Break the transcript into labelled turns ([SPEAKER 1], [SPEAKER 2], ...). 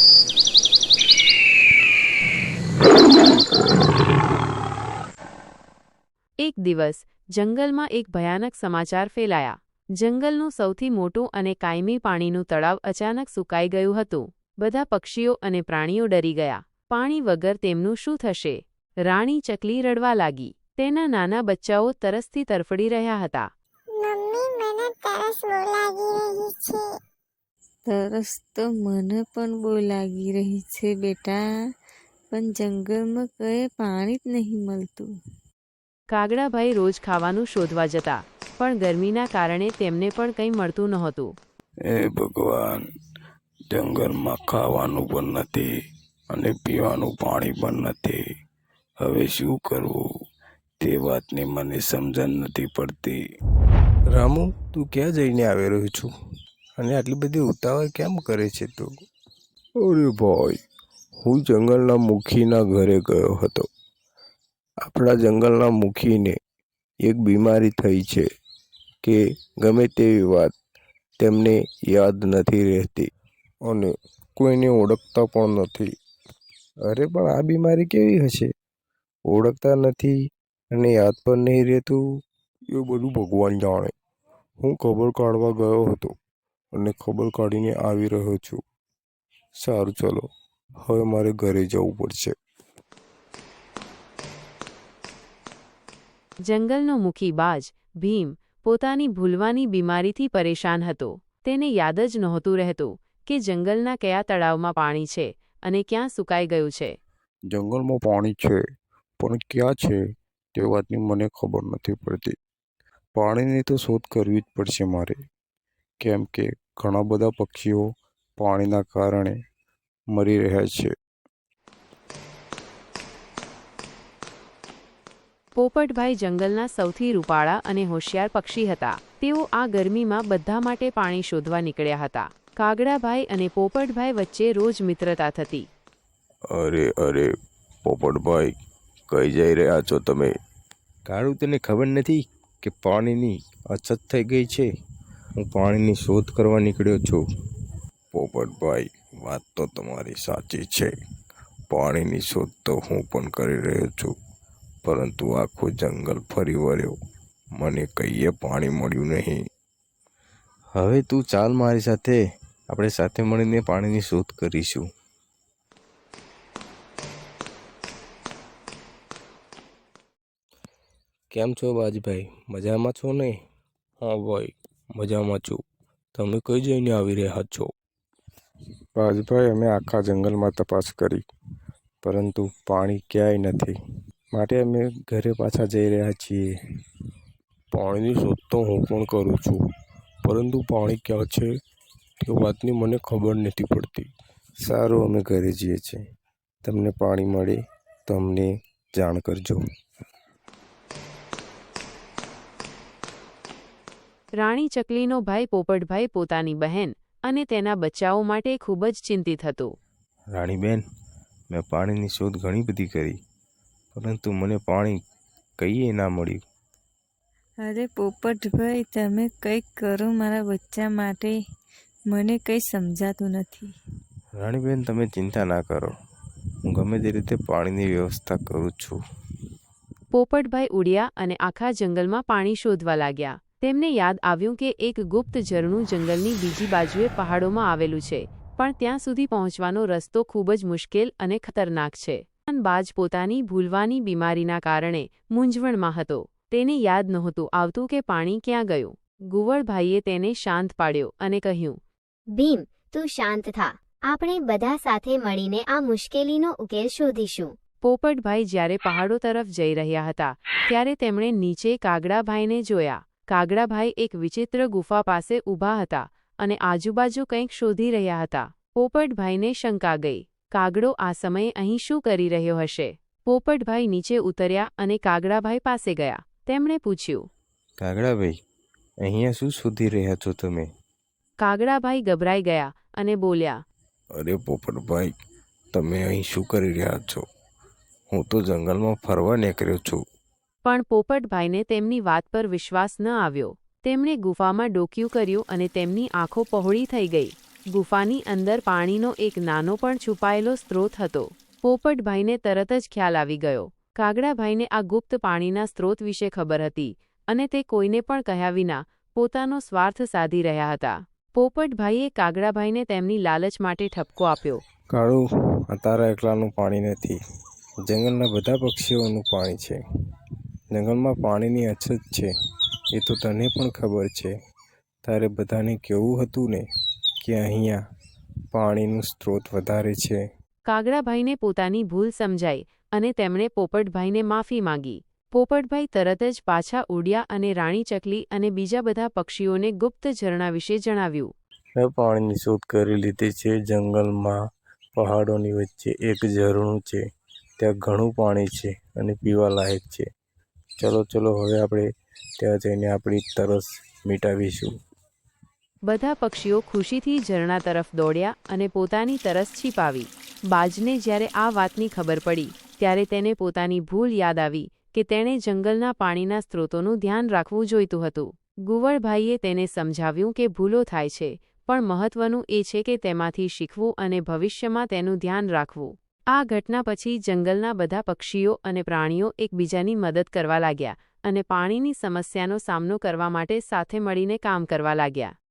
[SPEAKER 1] એક દિવસ જંગલમાં એક ભયાનક સમાચાર ફેલાયા. જંગલનું સૌથી મોટું અને કાયમી પાણીનું તળાવ અચાનક સુકાઈ ગયું હતું. બધા પક્ષીઓ અને પ્રાણીઓ ડરી ગયા. પાણી વગર તેમનું શું થશે? રાણી ચકલી રડવા લાગી. તેના નાના બચ્ચાઓ તરસથી તરફડી રહ્યા હતા.
[SPEAKER 2] મમ્મી, મને તરસ બહુ લાગી રહી છે.
[SPEAKER 3] તરસ તો મને પણ બહુ લાગી રહી છે બેટા, પણ જંગલમાં કંઈ પાણી જ નહીં મળતું.
[SPEAKER 1] કાગડાભાઈ રોજ ખાવાનું શોધવા જતા, પણ ગરમીના કારણે તેમને પણ કંઈ મળતું નહોતું.
[SPEAKER 4] હે ભગવાન, જંગલમાં ખાવાનું પણ નથી અને પીવાનું પાણી પણ નથી. હવે શું કરવું તે વાતની મને સમજણ નથી પડતી.
[SPEAKER 5] રામુ, તું ક્યાં જઈને આવી રહ્યો છું અને આટલી બધી ઉતાવળ કેમ કરે છે તું?
[SPEAKER 4] અરે ભાઈ, હું જંગલના મુખીના ઘરે ગયો હતો. આપણા જંગલના મુખીને એક બીમારી થઈ છે કે ગમે તેવી વાત તેમને યાદ નથી રહેતી
[SPEAKER 5] અને કોઈને ઓળખતા પણ નથી.
[SPEAKER 4] અરે પણ આ બીમારી કેવી હશે? ઓળખતા નથી અને યાદ પણ નહીં રહેતું.
[SPEAKER 5] એ બધું ભગવાન જાણે. હું ખબર કાઢવા ગયો હતો અને ખબર કાઢીને આવી રહ્યો છું. સારું, ચલો હવે મારે ઘરે જવું પડશે.
[SPEAKER 1] જંગલનો મુખી બાજ ભીમ પોતાની ભૂલવાની બીમારીથી પરેશાન હતો. તેને યાદ જ નહોતું રહેતું કે જંગલના કયા તળાવમાં પાણી છે અને ક્યાં સુકાઈ ગયું છે.
[SPEAKER 5] જંગલમાં પાણી છે, પણ ક્યાં છે તે વાતની મને ખબર નથી પડતી. પાણીની તો શોધ કરવી જ પડશે મારે, કેમ કે ઘણા બધા પક્ષીઓ પાણીના કારણે મરી રહ્યા છે.
[SPEAKER 1] પોપટભાઈ જંગલના સૌથી રૂપાળા અને હોશિયાર પક્ષી હતા. તેઓ આ ગરમીમાં બધા માટે પાણી શોધવા નીકળ્યા હતા. કાગડાભાઈ અને પોપટભાઈ વચ્ચે રોજ મિત્રતા થતી.
[SPEAKER 4] અરે પોપટભાઈ, કઈ જઈ રહ્યા છો તમે?
[SPEAKER 5] કાળું, તને ખબર નથી કે પાણીની અછત થઈ ગઈ છે? હું પાણીની શોધ કરવા નીકળ્યો છું.
[SPEAKER 4] પોપટભાઈ, વાત તો તમારી સાચી છે. પાણીની શોધ તો હું પણ કરી રહ્યો છું, પરંતુ આખું જંગલ ફરી વળ્યો, મને કહીએ પાણી મળ્યું નહીં.
[SPEAKER 5] હવે તું ચાલ મારી સાથે, આપણે સાથે મળીને પાણીની શોધ કરીશું. કેમ છો બાજભાઈ, મજામાં છો ને?
[SPEAKER 4] હા ભાઈ, મજામાં છું. તમે કઈ જઈને આવી રહ્યા છો?
[SPEAKER 5] બાજભાઈ, અમે આખા જંગલમાં તપાસ કરી, પરંતુ પાણી ક્યાંય નથી, માટે અમે ઘરે પાછા જઈ રહ્યા છીએ.
[SPEAKER 4] પાણીની શોધ તો હું પણ કરું છું, પરંતુ પાણી ક્યાં છે તે વાતની મને ખબર નથી પડતી.
[SPEAKER 5] સારું, અમે ઘરે જઈએ છીએ. તમને પાણી મળે તો અમને જાણ કરજો.
[SPEAKER 1] રાણી ચકલીનો ભાઈ પોપટભાઈ પોતાની બહેન અને તેના બચ્ચાઓ માટે ખૂબ જ ચિંતિત હતો.
[SPEAKER 5] રાણીબેન, મેં પાણીની શોધ ઘણી બધી કરી, પરંતુ મને પાણી કઈએ ના મળ્યું.
[SPEAKER 3] અરે પોપટભાઈ, તમે કંઈક કરો મારા બચ્ચા માટે. મને કંઈ સમજાતું નથી.
[SPEAKER 5] રાણીબેન, તમે ચિંતા ના કરો, હું ગમે તે રીતે પાણીની વ્યવસ્થા કરું છું.
[SPEAKER 1] પોપટભાઈ ઉડ્યા અને આખા જંગલમાં પાણી શોધવા લાગ્યા. તેમને યાદ આવ્યું કે એક ગુપ્ત ઝરણું જંગલની બીજી બાજુએ પહાડોમાં આવેલું છે, પણ ત્યાં સુધી પહોંચવાનો રસ્તો ખૂબ જ મુશ્કેલ અને ખતરનાક છે. બાજ પોતાની ભૂલવાની બીમારીના કારણે મૂંઝવણમાં હતો. તેને યાદ નહોતું આવતું કે પાણી ક્યાં ગયું. ગુવળભાઈએ તેને શાંત પાડ્યો અને કહ્યું,
[SPEAKER 2] ભીમ, તું શાંત થા. આપણે બધા સાથે મળીને આ મુશ્કેલીનો ઉકેલ શોધીશું.
[SPEAKER 1] પોપટભાઈ જ્યારે પહાડો તરફ જઈ રહ્યા હતા ત્યારે તેમણે નીચે કાગડાભાઈને જોયા. કાગડાભાઈ એક વિચિત્ર ગુફા પાસે ઊભા હતા અને આજુબાજુ કંઈક શોધી રહ્યા હતા. પોપટભાઈને શંકા ગઈ. કાગડો આ સમયે અહીં શું કરી રહ્યો હશે? પોપટભાઈ નીચે ઉતર્યા અને કાગડાભાઈ પાસે ગયા. તેમણે પૂછ્યું,
[SPEAKER 5] કાગડાભાઈ, અહીંયા શું શોધી રહ્યા છો તમે?
[SPEAKER 1] કાગડાભાઈ ગભરાઈ ગયા અને બોલ્યા,
[SPEAKER 4] અરે પોપટભાઈ, તમે અહીં શું કરી રહ્યા છો? હું તો જંગલમાં ફરવા નીકળ્યો છું.
[SPEAKER 1] પણ પોપટભાઈને તેમની વાત પર વિશ્વાસ ન આવ્યો. તેમણે ગુફામાં ડોકિયું કર્યું અને તેમની આંખો પહોળી થઈ ગઈ. ગુફાની અંદર પાણીનો એક નાનો પણ છુપાયેલો સ્ત્રોત હતો. પોપટભાઈને તરત જ ખ્યાલ આવી ગયો. કાગડાભાઈને આ ગુપ્ત પાણીના સ્ત્રોત વિશે ખબર હતી અને તે કોઈને પણ કહ્યા વિના પોતાનો સ્વાર્થ સાધી રહ્યા હતા. પોપટભાઈએ કાગડાભાઈને તેમની લાલચ માટે ઠપકો આપ્યો.
[SPEAKER 4] કાળુ, આ તારા એકલાનું પાણી નથી, જંગલના બધા પક્ષીઓનું પાણી છે. જંગલમાં પાણીની અછત છે એ તો તને પણ ખબર છે. તારે બધાને કહેવું હતું ને કે અહીંયા પાણીનું સ્ત્રોત વધારે છે.
[SPEAKER 1] કાગડાભાઈને પોતાની ભૂલ સમજાઈ અને તેમણે પોપટભાઈને માફી માંગી. પોપટભાઈ તરત જ પાછા ઉડ્યા અને રાણી ચકલી અને બીજા બધા પક્ષીઓને ગુપ્ત ઝરણા વિશે જણાવ્યું.
[SPEAKER 4] મેં પાણીની શોધ કરી લીધી છે. જંગલમાં પહાડોની વચ્ચે એક ઝરણું છે. ત્યાં ઘણું પાણી છે અને પીવા લાયક છે. ચલો ચલો, હવે આપણે ત્યાં જઈને આપણી તરસ મિટાવીશું.
[SPEAKER 1] બધા પક્ષીઓ ખુશીથી ઝરણા તરફ દોડ્યા અને પોતાની તરસ છીપાવી. બાજને જ્યારે આ વાતની ખબર પડી ત્યારે તેને પોતાની ભૂલ યાદ આવી કે તેણે જંગલના પાણીના સ્ત્રોતોનું ધ્યાન રાખવું જોઈતું હતું. ગુવળભાઈએ તેને સમજાવ્યું કે ભૂલો થાય છે, પણ મહત્વનું એ છે કે તેમાંથી શીખવું અને ભવિષ્યમાં તેનું ધ્યાન રાખવું. આ ઘટના પછી જંગલના બધા પક્ષીઓ અને પ્રાણીઓ એકબીજાની મદદ કરવા લાગ્યા અને પાણીની સમસ્યાનો સામનો કરવા માટે સાથે મળીને કામ કરવા લાગ્યા.